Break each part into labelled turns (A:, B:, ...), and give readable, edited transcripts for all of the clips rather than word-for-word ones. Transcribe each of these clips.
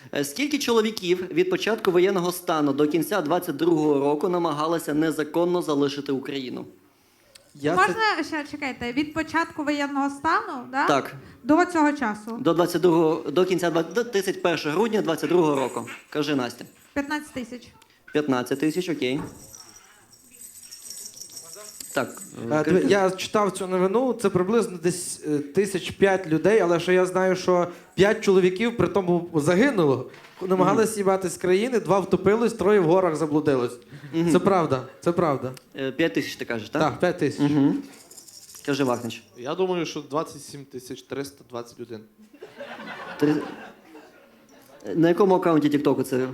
A: Скільки чоловіків від початку воєнного стану до кінця 22-го року намагалися незаконно залишити Україну?
B: Можна ще чекайте, від початку воєнного стану, да?
A: Так.
B: До цього часу?
A: До кінця 31 грудня 22-го року. Кажи, Настя.
B: 15 тисяч.
A: 15 тисяч, окей. Так.
C: Я читав цю новину, це приблизно десь 1005 людей, але що я знаю, що 5 чоловіків при тому загинуло. Намагалися їбати з країни, 2 втопились, 3 в горах заблудилось. Це правда, це правда.
A: 5 тисяч ти кажеш, так?
C: Так, 5 тисяч.
A: Угу. Кажи, Вахнич.
D: Я думаю, що 27 321.
A: На якому аккаунті Тіктоку це?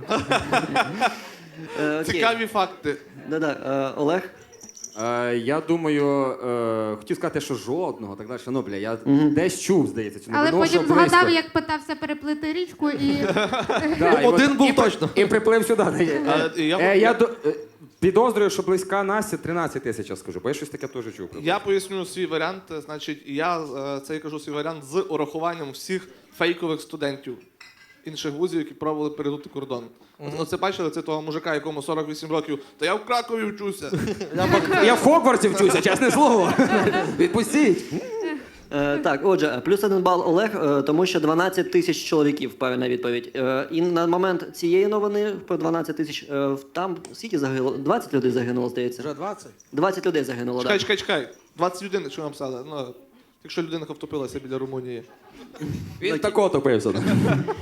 D: Цікаві факти.
A: Да-да. Олег?
E: Я думаю, хотів сказати, що жодного, так далі. Ну, бля, я десь чув, здається, цю
F: Але
E: новину,
F: потім
E: що близько.
F: згадав, як питався переплити річку і...
E: Да, і
C: Один
E: от-
C: був
E: і-
C: точно.
E: І приплив сюди.
D: Я
E: Підозрюю, що близька Настя 13 тисяч, я скажу, бо я щось таке теж чув.
D: Я поясню свій варіант. Значить, я це кажу свій варіант з урахуванням всіх фейкових студентів інших вузів, які пробували перейти кордон. Ну, це бачили, це того мужика, якому 48 років. Та я в Кракові вчуся.
E: Я в Хогвартсі вчуся, чесне слово. Відпустіть.
A: Так, отже, плюс 1 бал Олег, тому що 12 тисяч чоловіків, правильна відповідь. І на момент цієї новини про 12 тисяч, там скільки загинуло? 20 людей загинуло, здається.
C: Вже 20?
A: 20 людей загинуло, так.
D: Чекай. 20 людей, що написали. Ну, якщо людина втопилася біля Румунії.
E: Він тако топився.